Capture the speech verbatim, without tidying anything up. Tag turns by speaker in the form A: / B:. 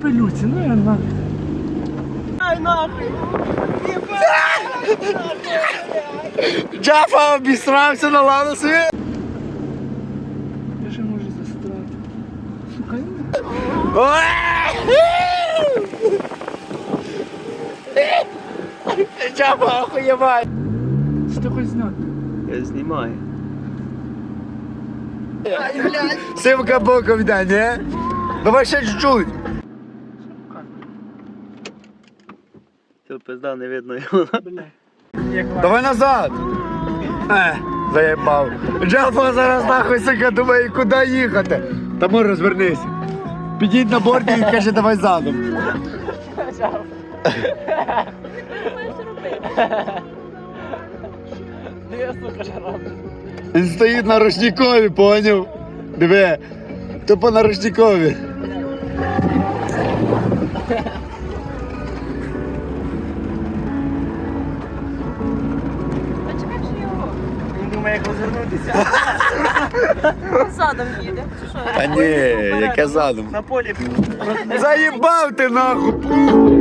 A: капелюці, ну я нахуй.
B: Ай нахуй!
C: Джафа обісрався на ланосі.
A: Я ще можу застрати. Сука, я...
C: Джафа охуєвай.
A: Чи ти хочеш зняти?
B: Я знімаю.
C: Симка боком йде, ні? Давай ще чуть-чуть.
B: Це пизда, не видно його.
C: Давай назад. Е, заєбав. Джафа зараз нахуй, сука, думає, куди їхати. Тому розвернися. Підіть на борді і каже, давай задом. Він стоїть на ручникові, поняв? Диви, тупо на ручникові.
B: Він думає, як розвернутися.
D: Задом їде.
C: Та ні, яке задом.
B: На полі.
C: Заїбав ти нахуй!